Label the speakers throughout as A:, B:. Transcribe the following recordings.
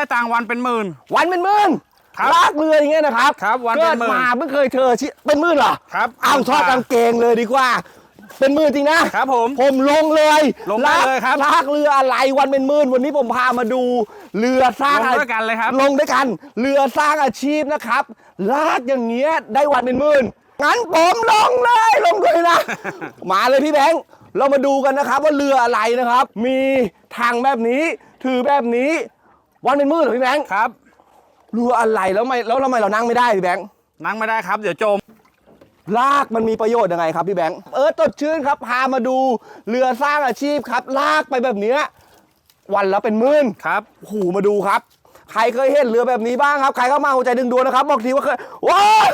A: ตังค์วันเป็นหมื่น
B: วันเป็นหมื่นลากเรืออย่างเงี้ยนะครับ
A: ครับวันเป็นหมื่น
B: เกิดมาเพิ่งเคยเจอเป็นหมื่นเหรอ
A: ครับ
B: เอาทอดกางเกงเลยดีกว่าเป็นหมื่นจริงนะครับผมลงเลย
A: ลงได้เลยครับ
B: ลากเรืออะไรวันเป็นหมื่นวันนี้ผมพามาดูเรือสร้าง
A: ลงด้วยกันเลยครับ
B: ลงด้วยกันเรือสร้างอาชีพนะครับลากอย่างเงี้ยได้วันเป็นหมื่นงั้นผมลงเลยลงด้วยนะ มาเลยพี่แบงค์เรามาดูกันนะครับว่าเรืออะไรนะครับมีทางแบบนี้ถือแบบนี้วันเป็นหมื่นเหรอพี่แบงค์
A: ครับ
B: เรืออะไรแล้วทำไมเรานั่งไม่ได้พี่แบงค์
A: นั่งไม่ได้ครับเดี๋ยวจม
B: ลากมันมีประโยชน์ยังไงครับพี่แบงค์สดชื่นครับพามาดูเรือสร้างอาชีพครับลากไปแบบนี้วันละเป็นหมื่น
A: ครับ
B: หูมาดูครับใครเคยเห็นเรือแบบนี้บ้างครับใครเข้ามาหัวใจดึงดวงนะครับบอกทีว่าเคยว้าว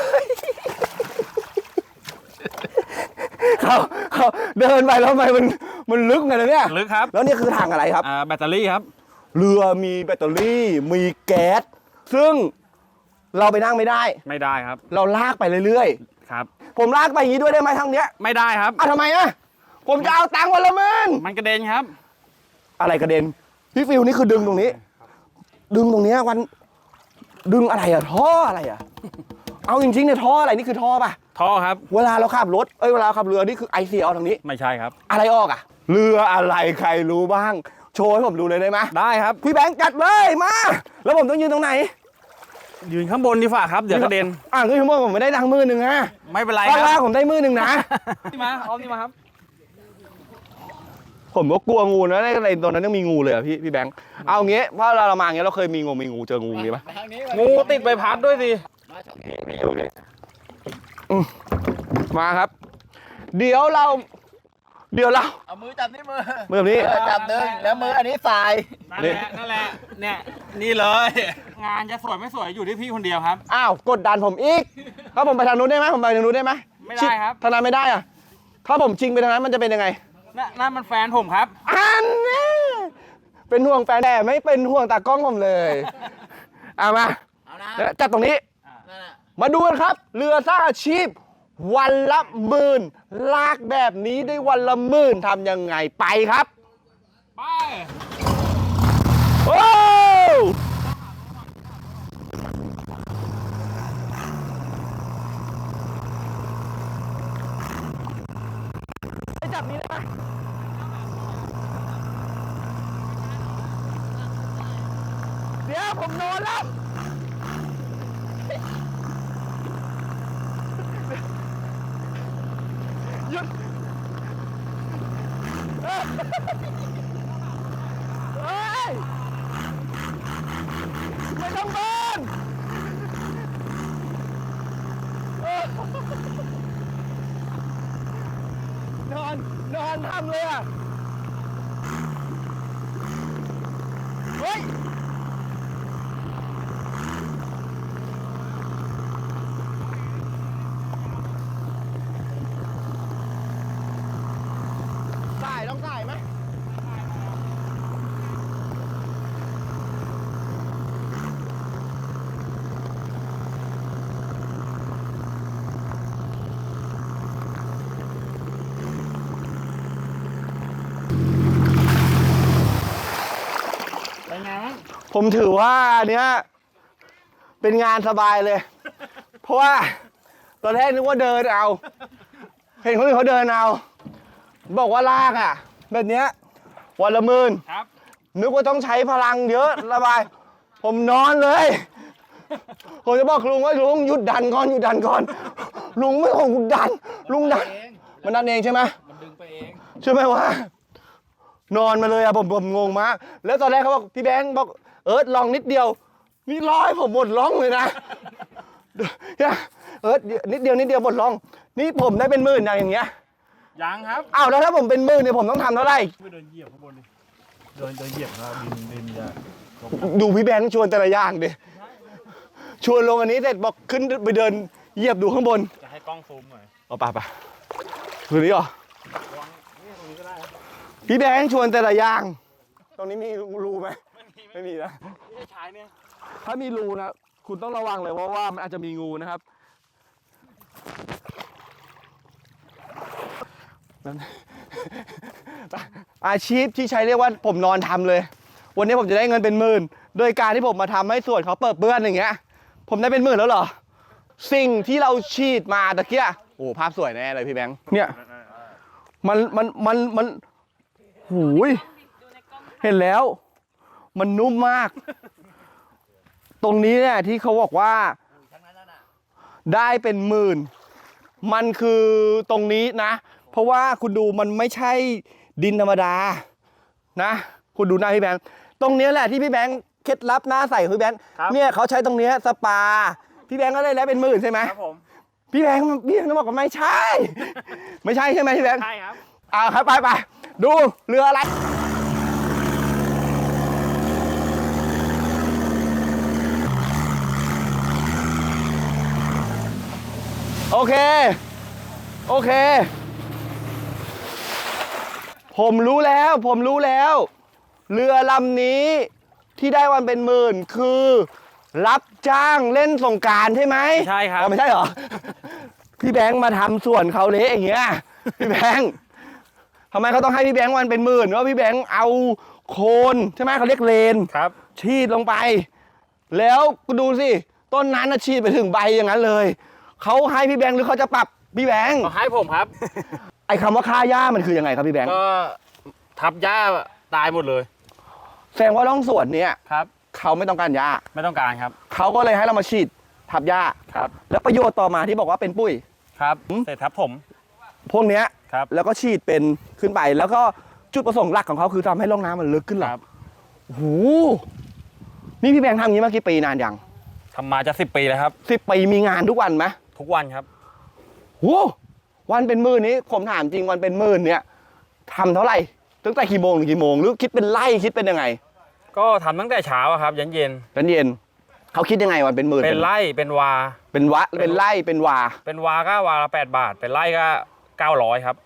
B: เขาเดินไปแล้วทำไมมันลึกไงเนี่ย
A: ลึกครับ
B: แล้วนี่คือถังอะไรครับ
A: แบตเตอรี่ครับ
B: เรือมีแบตเตอรี่มีแก๊สซึ่งเราไปนั่งไม่ได้
A: ครับ
B: เราลากไปเรื่อย
A: ๆครับ
B: ผมลากไปอย่างนี้ด้วยได้ไหมทางเนี้ย
A: ไม่ได้ครับ
B: ทำไมผมจะเอาตังค์วันละหมื่น
A: มันกระเด็นครับ
B: อะไรกระเด็นพี่ฟิวนี่คือดึงตรงนี้ดึงตรงนี้วันดึงอะไรท่ออะไรเอาจริงๆเนี่ยท่ออะไรนี่คือท่อป่ะ
A: ท่อครับ
B: เวลาเราขับรถเวลาขับเรือนี่คือไอเสียเอาทางนี้
A: ไม่ใช่ครับ
B: อะไรออกเรืออะไรใครรู้บ้างโชว์ให้ผมดูเลยได้ไหม
A: ได้ครับ
B: พี่แบงค์จัดเลยมาแล้วผมต้องยืนตรงไหน
A: ยืนข้างบนดีฝ่าครับเดี๋ยวกระเด็น
B: คือชั่วโมงผมไม่ได้ดังมือหนึ่ง
A: ไม่เป็นไร
B: ครับถ้าผมได้มือหนึ่งนะ
A: นี่มาเอานี่มาครับ
B: ผมก็กลัวงูนะในตอนนั้นยังมีงูเลยพี่แบงค์เอางี้เพราะเรามาอย่างเงี้ยเราเคยมีงูเจองูงี้ปะ
A: งูติดใบพัดด้วยสิ
B: มาครับเดี๋ยวเรา
C: เอามือจับนี่มือ
B: แบบนี้
C: จับดึงแล้วมืออันนี้สาย
A: นั่นแหละเนี่ยนี่เลยงานจะสวยไม่สวยอยู่ที่พี่คนเดียวครับ
B: กดดันผมอีกถ้าผมไปทางนู้นได้ไหมผมไปทางนู้นได้ไหม
A: ไม่ได้ครับ
B: ทางนั้นไม่ได้ถ้าผมชิงไปทางนั้นมันจะเป็นยังไง
A: นั่นมันแฟนผมครับ
B: อันนี้เป็นห่วงแฟนแต่ไม่เป็นห่วงตากล้องผมเลยมาจับตรงนี้มาดูกันครับเรือสร้างอาชีพวันละหมื่นลากแบบนี้ได้วันละหมื่นทำยังไงไปครับ
A: ไป
B: โอ้จับนี้ได้ไหมเดี๋ยวผมนอนแล้วหยุดเฮ้ยไม่ต้องเบิร์นนอนทำเลยเฮ้ยต้องใส่ไหมผมถือว่าเนี้ยเป็นงานสบายเลยเพราะว่าตอนแรกนึกว่าเดินเอาเห็นคนอื่นเขาเดินเอาบอกว่าลากแบบเนี้ยวันละหมื่นนึกว่าต้องใช้พลังเยอะระบายผมนอนเลยผมจะบอกลุงว่าลุงหยุดดันก่อนลุงไม่ของหยุดดันลุงดันมันดันเองใช่ไหม
A: มันดึงไปเอง
B: ใช่ไหมว่านอนมาเลยผมงงมากแล้วตอนแรกเขาบอกพี่แบงค์บอกลองนิดเดียวนี่ร้อยผมหมดร้องเลยนะนิดเดียวหมดร้องนี่ผมได้เป็นหมื่นอย่างเงี้ย
A: ยังครับ
B: แล้วถ้าผมเป็นหมื่นเนี่ยผมต้องทำเท่าไหร่
A: ไม่เดินเหยียบข้างบนดิเดินเหยียบครับดินจะ
B: ดูพี่แบงค์ชวนแต่ละอย่างดิชวนลงอันนี้เสร็จบอกขึ้นไปเดินเหยียบดูข้างบน
A: จะให้กล้องซูมหน่อย
B: ไปคือนี้เหรอพี่แบงค์ชวนแต่ละอย่างตรงนี้มีรูไหมไม่มีนะ
A: ไม่ใช่เนี่ย
B: ถ้ามีรูนะคุณต้องระวังเลยเพราะว่ามันอาจจะมีงูนะครับอาชีพที่ใช้เรียกว่าผมนอนทำเลยวันนี้ผมจะได้เงินเป็นหมื่นโดยการที่ผมมาทำให้ส่วนเขาเปิดเปื้อนอย่างเงี้ย ผมได้เป็นหมื่นแล้วเหรอ สิ่งที่เราฉีดมาตะเกียโอ้ภาพสวยแน่เลยพี่แบงค์เนี่ยมันหูยเห็นแล้ว มันนุ่มมาก ตรงนี้เนี่ยที่เขาบอกว่าได้เป็นหมื่นมันคือตรงนี้นะ เพราะว่าคุณดูมันไม่ใช่ดินธรรมดานะ คุณดูหน้าพี่แบงค์ตรงนี้แหละที่พี่แบงค์เคล็ดลับหน้าใสของพี่แบงค์เนี่ยเขาใช้ตรงนี้สปาพี่แบงค์ก็ได้แล้วเป็นหมื่นใช่ไหม
A: ครับผม
B: พี่แบงค์ต้องบอกว่าไม่ใช่ ไม่ใช่ใช่ไหมพี่แบงค์
A: ใช่ครับ
B: ครับไปดูเรืออะไรโอเคผมรู้แล้วเรือลำนี้ที่ได้วันเป็นหมื่นคือรับจ้างเล่นสงกรานต์ใช่ไหม
A: ใช่ครับ
B: ไม่ใช่เหรอ พี่แบงค์มาทำส่วนเขาเละอย่างเงี้ยพี่แบงค์ทำไมเขาต้องให้พี่แบงค์วันเป็นหมื่นว่าพี่แบงค์เอาโคนใช่ไหมเขาเรียกเลน
A: ครับ
B: ฉีดลงไป แล้วดูสิต้นนั้นฉีดไปถึงใบอย่างนั้นเลยเขาให้พี่แบงค์หรือเขาจะปรับพี่แบงค์
A: ให้ผมครับ
B: ไอ้คำว่าค่าหญ้ามันคือยังไงครับพี่แบงค์
A: ก็ทับหญ้าตายหมดเลย
B: แสดงว่าร่องสวนเนี้ย
A: ครับ
B: เขาไม่ต้องการหญ้า
A: ไม่ต้องการครับ
B: เขาก็เลยให้เรามาฉีดทับหญ้า
A: ครับ
B: แล้วประโยชน์ต่อมาที่บอกว่าเป็นปุ้ย
A: ครับเสร็จทับผม
B: พวกเนี้ย
A: ครับ
B: แล้วก็ฉีดเป็นขึ้นไป แล้วก็จุดประสงค์หลักของเขาคือทำให้ร่องน้ำมันลึกขึ้นเหรอ
A: ครับ
B: โอ้โหนี่พี่แบงค์ทำอย่างนี้มากี่ปีนานยัง
A: ทำมาจะ10 ปีแล้วครับ
B: 10 ปีมีงานทุกวันไหม
A: ทุกวันครับ
B: โอ้วันเป็นหมื่นนี้ผมถามจริงวันเป็นหมื่นเนี่ยทำเท่าไหร่ตั้งแต่กี่โมงถึงกี่โมงหรือคิดเป็นไร่คิดเป็นยังไง
A: ก็ทำตั้งแต่เช้าอะครับยันเย็น
B: กันเย็นเขาคิดยังไงวันเป็นหมื่น
A: เป็นไร่เป็นวา
B: เป็นวะเป็นไร่เป็นวา
A: เป็นวาก็วาละ8 บาท เป็นไร่ก็900ครับ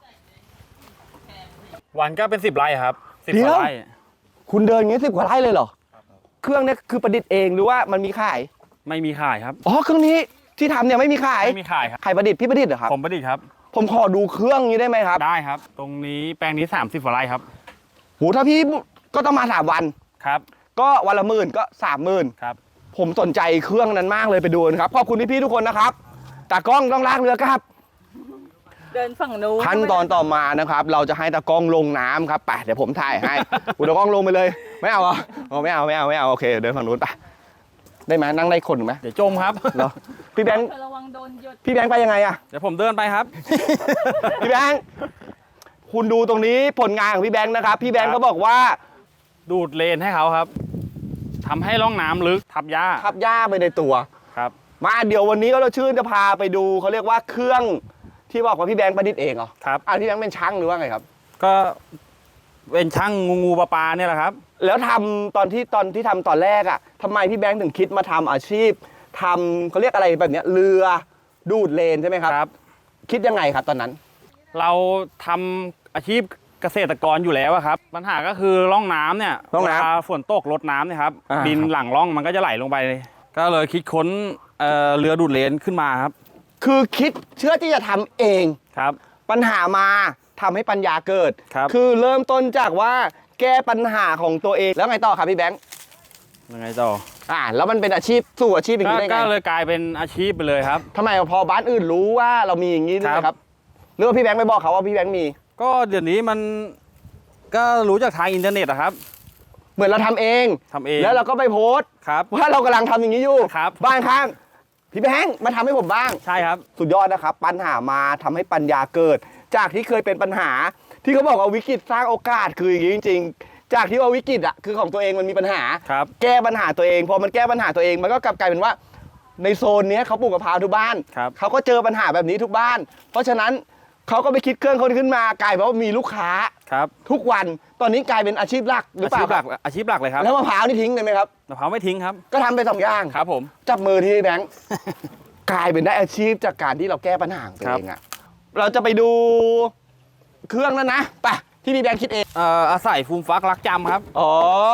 A: วันก็เป็น10 ไร่ครับ10 กว่าไร่
B: คุณเดินอย่างนี้10 กว่าไร่เลยเหรอเครื่องเนี้ยคือประดิษฐ์เองหรือว่ามันมีขาย
A: ไม่มีขายครับ
B: อ๋อเครื่องนี้ที่ทำเนี่ยไม่มีขาย
A: ไม่มีขายครับ
B: ใครประดิษฐ์พี่ประดิษฐ์เหรอครับ
A: ผมประดิษฐ์ครับ
B: ผมขอดูเครื่องนี้ได้ไหมครับ
A: ได้ครับ ตรงนี้แปลงนี้30 กว่าไร่ครับ
B: โหถ้าพี่ก็ต้องมา3 วัน
A: ครับ
B: ก็วันละ10,000ก็30,000
A: ครับ
B: ผมสนใจเครื่องนั้นมากเลยไปดูนะครับขอบคุณพี่ๆทุกคนนะครับตากล้องต้องลากเรือครับ
D: เดินฝั่งนู้น
B: ขั้นตอนต่อมานะครับ เราจะให้ตากล้องลงน้ำครับไปเดี๋ยวผมถ่ายให้ อุตากล้องลงไปเลยไม่เอาเหรออ๋อไม่เอาโอเคเดินฝั่งนู้นไปได้ไหมนั่งได้คนไหม
A: เดี๋ยวจมครับ
B: เหรอพี่แบงค์
D: ระวังโดนหยด
B: พี่แบงค์ไปยังไงอะ
A: เดี๋ยวผมเดินไปครับ
B: พี่แบงค์คุณดูตรงนี้ผลงานของพี่แบงค์นะครับพี่แบงค์เขาบอกว่า
A: ดูดเลนให้เขาครับทำให้ร่องน้ำลึกทับหญ้า
B: ทับหญ้าไปในตัว
A: ครับ
B: มาเดี๋ยววันนี้ก็เราชื่นจะพาไปดูเขาเรียกว่าเครื่องที่บอกว่าพี่แบงค์ประดิษฐ์เองเหรอ
A: ครับ
B: พี่แบงค์เป็นช่างหรือว่าไงครับ
A: ก็เป็นช่างงูปลาเนี่ยแหละครับ
B: แล้วทำตอนที่ทำตอนแรกอ่ะทำไมพี่แบงค์ถึงคิดมาทำอาชีพทำเขาเรียกอะไรแบบเนี้ยเรือดูดเลนใช่ไหมครับ
A: ครับ
B: คิดยังไงครับตอนนั้น
A: เราทำอาชีพเกษตรกรอยู่แล้วอะครับ ปัญหาก็คือร่องน้ำเนี่ย
B: ร่องน้ำ
A: เวลาฝนตกรดน้ำเนี่ยครับ
B: อ่า
A: ดินหลังร่องมันก็จะไหลลงไป ก็เลยคิดค้นเรือดูดเลนขึ้นมาครับ
B: คือคิดเชื่อที่จะทำเอง
A: ครับ
B: ปัญหามาทำให้ปัญญาเกิด
A: ครับ
B: อเริ่มต้นจากว่าแก้ปัญหาของตัวเองแล้วไงต่อครับพี่แบงค์
A: ยังไงต่อ
B: แล้วมันเป็นอาชีพสู่อาชีพอย่างนี้ได้ไง
A: ก็เลยกลายเป็นอาชีพไปเลยครับ
B: ทำไมพอบ้านอื่นรู้ว่าเรามีอย่างนี้ด้วย
A: ครับ
B: ครับหรือว่าพี่แบงค์ไปบอกเขาว่าพี่แบงค์มี
A: ก็เดี๋ยวนี้มันก็รู้จากทางอินเทอร์เน็ตอะครับ
B: เหมือนเราทำเอง
A: ทำเอง
B: แล้วเราก็ไปโพสต์
A: ครับ
B: ว่าเรากำลังทำอย่างนี้อยู่
A: ครับ
B: บ้านข้างพี่แบงค์มาทำให้ผมบ้าง
A: ใช่ครับ
B: สุดยอดนะครับ ปัญหามาทำให้ปัญญาเกิด จากที่เคยเป็นปัญหา ที่เขาบอกว่าวิกฤตสร้างโอกาสคืออย่างนี้จริงๆ จากที่ว่าวิกฤตอ่ะคือของตัวเองมันมีปัญหา
A: ครับ
B: แก้ปัญหาตัวเองพอมันแก้ปัญหาตัวเองมันก็กลับกลายเป็นว่า ในโซนเนี้ยเขาปลูกกะเพราทุกบ้าน
A: ครับ
B: เขาก็เจอปัญหาแบบนี้ทุกบ้าน เพราะฉะนั้นเขาก็ไปคิดเครื่องเขาขึ้นมากลายเป็นว่ามีลูกค้า
A: ครับ
B: ทุกวันตอนนี้กลายเป็นอาชีพหลักหรือ
A: อา
B: เปล่า
A: ชีพหลักอาชีพหลักเลยครับ
B: แล้วมะพร้าวนี่ทิ้งเลยไหมครับ
A: มะพร้าวไม่ทิ้งครับ
B: ก็ทำไป2 อย่าง
A: ครับผม
B: จับมือที่แบงค์ กลายเป็นได้อาชีพจากการที่เราแก้ปัญหาของตัวเองอะเราจะไปดูเครื่องนั้นนะไปที่พี่แบงค์คิดเอง
A: อาศัยฟูมฟักรักจำครับ
B: อ๋อ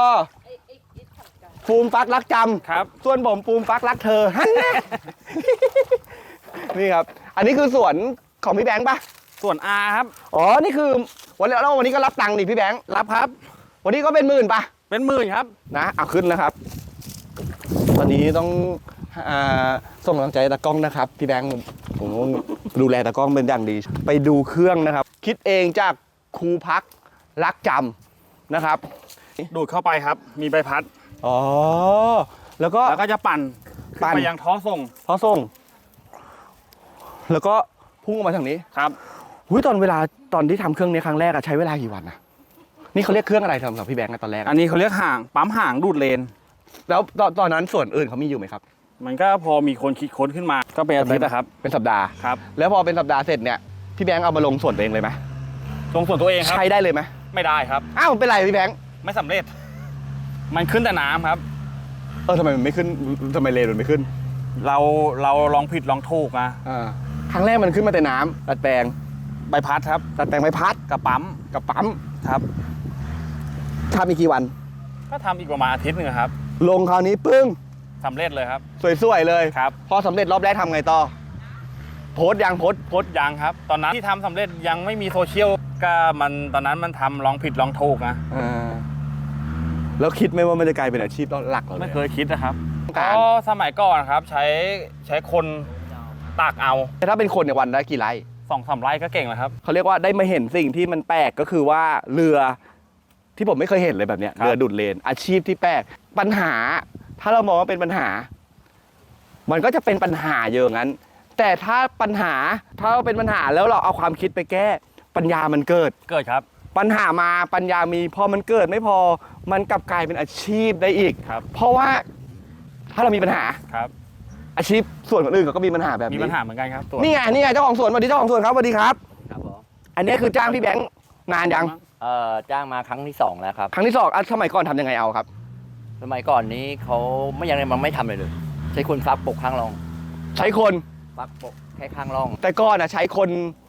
B: ฟูมฟักรักจ
A: ครับ
B: ำส่วนผมฟูมฟักรักเธอฮันนะ นี่ครับ อันนี้คือสวนของพี่แบงค์ปะ
A: ส่วน R ครับ
B: อ๋อนี่คือวันนี้ก็รับตังค์ดิพี่แบงค์
A: รับครับ
B: วันนี้ก็เป็น10,000ปะ
A: เป็นหมื่นครับ
B: นะเอาขึ้นนะครับ ตอนนี้ต้องส่งกำลังใจตากล้องนะครับพี่แบงค์ผมดูแลตากล้องเป็นอย่างดี ไปดูเครื่องนะครับ คิดเองจากครูพักรักจำนะครับ
A: ดูดเข้าไปครับ มีใบพัด
B: อ๋อแล้วก็
A: แล้วก็จะปั่นขึ้นไปยังท่อส่ง
B: ท่อส่ง แล้วก็พุ่งออกมาทางนี้
A: ครับ
B: หุ้ยตอนที่ทำเครื่องนี้ครั้งแรกอะใช้เวลากี่วันนะนี่เขาเรียกเครื่องอะไรสำหรับพี่แบงค์อะตอนแรก
A: อันนี้เขาเรียกห่างปั๊มห่างดูดเลน
B: แล้วตอนนั้นส่วนอื่นเขามีอยู่ไหมครับ
A: มันก็พอมีคนคิดค้นขึ้นมา ก็เป็นอาทิตย์นะครับ
B: เป็นสัปดาห์
A: ครับ
B: แล้วพอเป็นสัปดาห์เสร็จเนี่ยพี่แบงค์เอามาลงส่วนตัวเองเลยไหม
A: ตรงส่วนตัวเองครับ
B: ใช้ได้เลยไหม
A: ไม่ได้ครับ
B: อ้าวเป็นไรพี่แบงค์
A: ไม่สำเร็จ มันขึ้นแต่น้ำครับ
B: ทำไมมันไม่ขึ้นทำไมเลนมันไม่ขึ้น
A: เราลองผิดลองถูกนะ
B: ครั้งแรกมันขึ้นมาแต่น้ำดัดแปลง
A: ใบพัดครับ
B: ดัดแปลงใบพัด
A: กับปั๊ม
B: กับปั๊ม
A: ครับ
B: ทำอีกกี่วัน
A: ก็ทำอีกประมาณอาทิตย์หนึงครับ
B: ลงคราวนี้ปึ้ง
A: สำเร็จเลยครับ
B: สวยๆเลย
A: ครับ
B: พอสำเร็จรอบแรกทำไงต่อโพสต์ยังโพสต์
A: โพสต์ยังครับ ตอนนั้นที่ทำสำเร็จยังไม่มีโซเชียลก็ตอนนั้นมันทำลองผิดลองถูกนะ
B: แล้วคิดไหมว่ามันจะกลายเป็นอาชีพหลักเรา
A: ไม่
B: เลย
A: เคยคิดนะครับ
B: การ
A: ก็สมัยก่อนครับใช้คนตากเอา
B: แต่ถ้าเป็นคนเนี่ยวันได้กี่ไร่
A: 2-3 ไร่ก็เก่งแล้วครับ
B: เขาเรียกว่าได้มาเห็นสิ่งที่มันแปลกก็คือว่าเรือที่ผมไม่เคยเห็นเลยแบบเนี้ย
A: ครับ
B: เรือดุดเลนอาชีพที่แปลกปัญหา ถ้าเรามองว่าเป็นปัญหา มันก็จะเป็นปัญหาเยอะงั้น แต่ถ้าเราเป็นปัญหาแล้วเราเอาความคิดไปแก้ปัญญามันเกิด
A: เกิดครับ
B: ปัญหามาปัญญามีพอมันเกิดไม่พอมันกลับกลายเป็นอาชีพได้อีก
A: ครับ
B: เพราะว่าถ้าเรามีปัญหา
A: ครับ
B: อาชีพส่วนคนอื่นก็มีปัญหาแบบ
A: มี
B: นี้
A: ปัญหาเหมือนกันครับตัว
B: นี่ไงเจ้าของสวนสวัสดีเจ้าของสวนครับสวัสดีครับ
C: ครับผม
B: อันนี้คือจ้างพี่แบงค์นานยัง
C: จ้างมาครั้งที่2แล้วครับ
B: ครั้งที่สองสมัยก่อนทำยังไงเอาครับ
C: สมัยก่อนนี้เขาไม่ทำเลยใช้คนฟักปกข้างร่อง
B: ใช้คน
C: ฟักปกแค่ข้างร่อง
B: แต่ก่อนใช้คน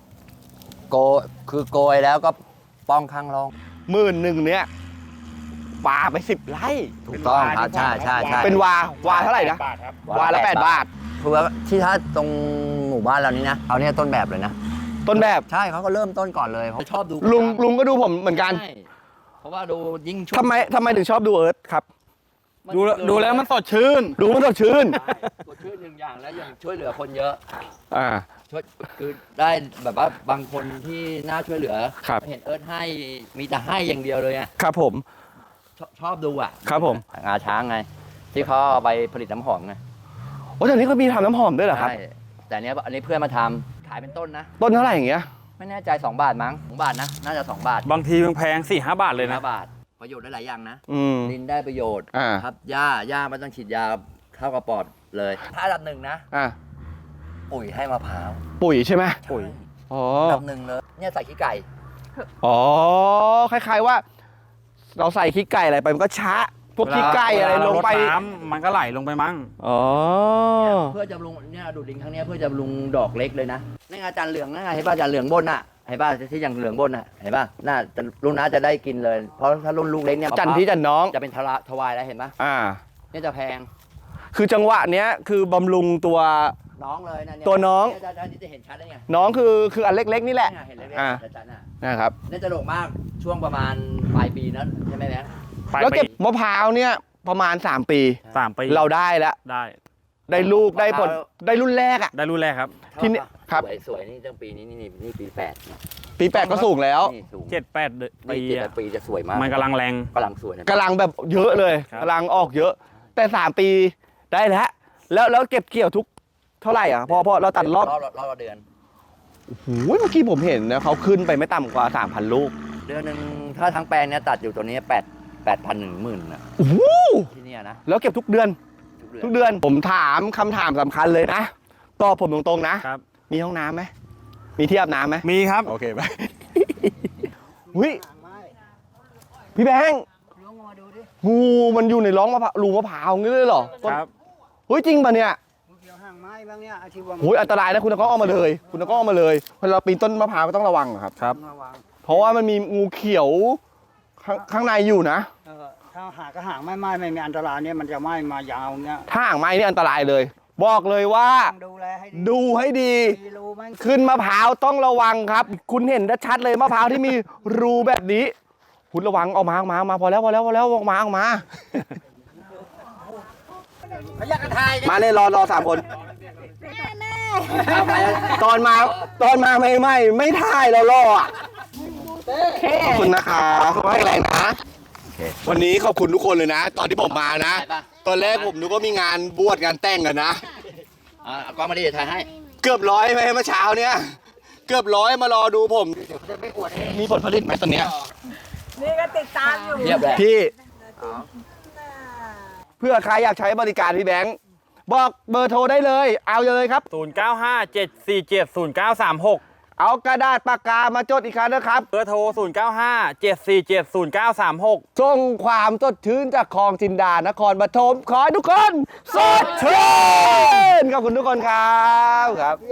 C: โกยแล้วก็ป้องข้างร่อง
B: 10,000เนี่ยปลาไป10 ไร่
C: ถูกต้องครับใช่
B: เป็นวาเท่าไหร่นะ
A: บาทครับ
B: วาละ8 บาท
C: คือว่าที่ถ้าตรงหมู่บ้านเรานี้นะเอาเนี่ยต้นแบบเลยนะ
B: ต้นแบบ
C: ใช่เขาก็เริ่มต้นก่อนเลยเขาชอบดู
B: ลุงก็ดูผมเหมือนกัน
C: ใช่เพราะว่าดูยิ่งช่วง
B: ทำไมถึงชอบดูเอิร์ธครับ
A: ดูแล้วมันสดชื่น
B: ดูมันสดชื่น
C: กดช่วยหนึ่งอย่างแล้วยังช่วยเหลือคนเยอะ
B: อ่า
C: ช่วยคือได้แบบว่าบางคนที่น่าช่วยเหลือ
B: ครับ
C: เห็นเอิร์ธให้มีแต่ให้อย่างเดียวเลยอ่ะ
B: ครับผม
C: ชอบดูอ่ะ
B: ครับผม
C: งาช้างไง ที่เขาเอาไปผลิตน้ำหอมไง
B: โอ้ตอนนี้ก็มีทำน้ำหอมด้วยเหรอครับ
C: ใช่แต่อันนี้เพื่อนมาทำขายเป็นต้นนะ
B: ต้นเท่าไหร่อย่างเงี้ย
C: ไม่แน่ใจ2 บาทมั้ง2 บาทนะน่าจะ2 บาท
A: บางทีแพง4-5 บาทเลยนะ
C: 5 บาทประโยชน์ได้หลายอย่างนะ
B: อืม
C: ดินได้ประโยชน์
B: อ่า
C: ครับหญ้าไม่ต้องฉีดยาเข้ากระปอดเลย ถ้าอันดับ 1นะ
B: อ่า
C: ปุ๋ยให้มะพร้าว
B: ปุ๋ยใช่ไหม
A: ปุ๋ย
B: อ๋อ
C: อันดับ 1เลยเนี่ยใส่ขี้ไก่
B: อ๋อคล้ายๆว่า เราใส่ขี้ไก่อะไรไปมันก็ช้าพวกขี้ไก่อะไรลงไป
A: เวาเรารดน้ำมันก็ไหลลงไปมั้ง
B: อ๋อ
C: เพื่อจะบำรุงเนี่ยดูดลิงครั้งเนี้ยเพื่อจะบำรุงดอกเล็กเลยนะนี่ไงอาจารย์เหลืองนั่นไงเห็นป่ะอาจารย์เหลืองบนน่ะเห็นป่ะที่อย่างเหลืองบนน่ะเห็นป่ะน่าจะรุ่นน้าจะได้กินเลย เพราะถ้ารุ่นลูกเล็กเนี่ย
B: จันพี่จันน้อง
C: จะเป็นทวายแล้วเห็นป่ะ
B: อ่า
C: เนี่ยจะแพง
B: คือจังหวะเนี้ยคือบำรุงตัว
C: น้องเลยนะเย
B: ตัวน้อง
C: เยอาจารย์จะเห็นชัดได้ไง
B: น้องคืออันเล็กๆนี่แหละ
C: เนี่ยเห็นเล็ก
B: อ่า
C: ๆอาจารย์น่ะ
B: นะครับ
C: เนี่ยจะโด่งมากช่วงประมาณปลายปีนั้นใช่ไหมแบงค์
A: ปลาย
B: แล้ว
A: ปี
B: เก็บมะพร้าวเนี่ยประมาณ3 ปี
A: 3 ปี
B: เราได้แล้ว
A: ได้
B: ได้ลูกได้ผลได้รุ่นแรกอ่ะ
A: ได้รุ่นแรกครับ
B: ที่นี่ครับ
C: สวยนี่ตั้งปีนี้นี่ปี8เนี่ย
B: ปี8ก็สูงแล้ว
C: นี่สูง
A: 7-8 ปี
C: นี่
A: อะ
C: 7 ปีจะสวยมาก
A: มันกำลังแรง
C: กำลังสวยนะ
B: กำลังแบบเยอะเลย
A: ครับ
B: กำลังออกเยอะ แต่3 ปีได้แล้วเก็บเกี่ยวทุกเท่าไหร่อ่ะพอเราตัดรอบ
C: ละเดือน
B: โอ้โหเมื่อกี้ผมเห็นนะเขาขึ้นไปไม่ต่ำกว่า 3,000 ลูก
C: เดือนหนึ่งถ้าทั้งแปลงเนี่ยตัดอยู่ตัวนี้8,000 ถึง 10,000นะ
B: โอ้โห
C: ที่เนี่ยนะ
B: แล้วเก็บทุกเดือน
C: ทุกเดือน
B: ทุกเดือนผมถามคำถามสำคัญเลยนะตอบผมตรงๆนะ
A: ครับ
B: มีห้องน้ำไหมมีที่อาบน้ำไหม
A: มีครับ
B: โอเคไป หุ้ยพี่แบงค์งูมันอยู่ในร่องมะพร้าวรูมะพร้าวงี้เลยเหรอ
A: ครับ
B: เฮ้ยจริงป่ะเนี่ย
E: เกี่ยวห่างไม้บ้างเนี่ยอาชีพว่า
B: โอ้ยอันตรายนะคุณตะก้องเอามาเลย คุณตะก้องเอามาเลยเวลาปีนต้นมะพร้าวก็ต้องระวังอะครับ
A: ครับ
E: ระวัง
B: เพราะว่ามันมีงูเขียวข้างในอยู่นะ
E: ถ้าหากก็ห่างไม่มีอันตรายเนี่ยมันจะไม่มายาวเนี่ย
B: ถ้าห่างไม้นี่อันตรายเลย บอกเลยว่า
E: ต้องดูแลให้ดี
B: ดูให้ดี
E: มีรูไหม
B: ขึ้นมะพร้าวต้องระวังครับ คุณเห็นชัดๆเลยมะพร้าวที่มีรูแบบนี้พุทธระวังออกมาพอแล้วออกมามาเนี่ยรอ3 คนตอนมาไม่ถ่ายแล้วรออ่ะขอบคุณนะครับขอให้แรงนะวันนี้ขอบคุณทุกคนเลยนะ ตอนที่ผมมานะ ตอนแรกผมนึกว่ามีงานบวชงานแต่งกันนะ
C: กล้องมาดิถ่ายให้
B: เกือบร้อยไหมเมื่อเช้าเนี่ยเกือบร้อยมารอดูผม มีผลผลิตไหมตอนเนี้ย
D: นี่ก็ติดตามอยู่
C: เรียบเลย
B: พี่เพื่อใครอยากใช้บริการพี่แบงค์บอกเบอร์โทรได้เลยเอาเลยครับ
A: 0957470936
B: เอากระดาษปากกามาจดอีกครั้งนะครับ
A: เบอร์โทร 0957470936
B: ส่งความสดชื่นจากคลองจินดานครปฐมขอให้ทุกคนสดชื่นขอบคุณทุกคนครับ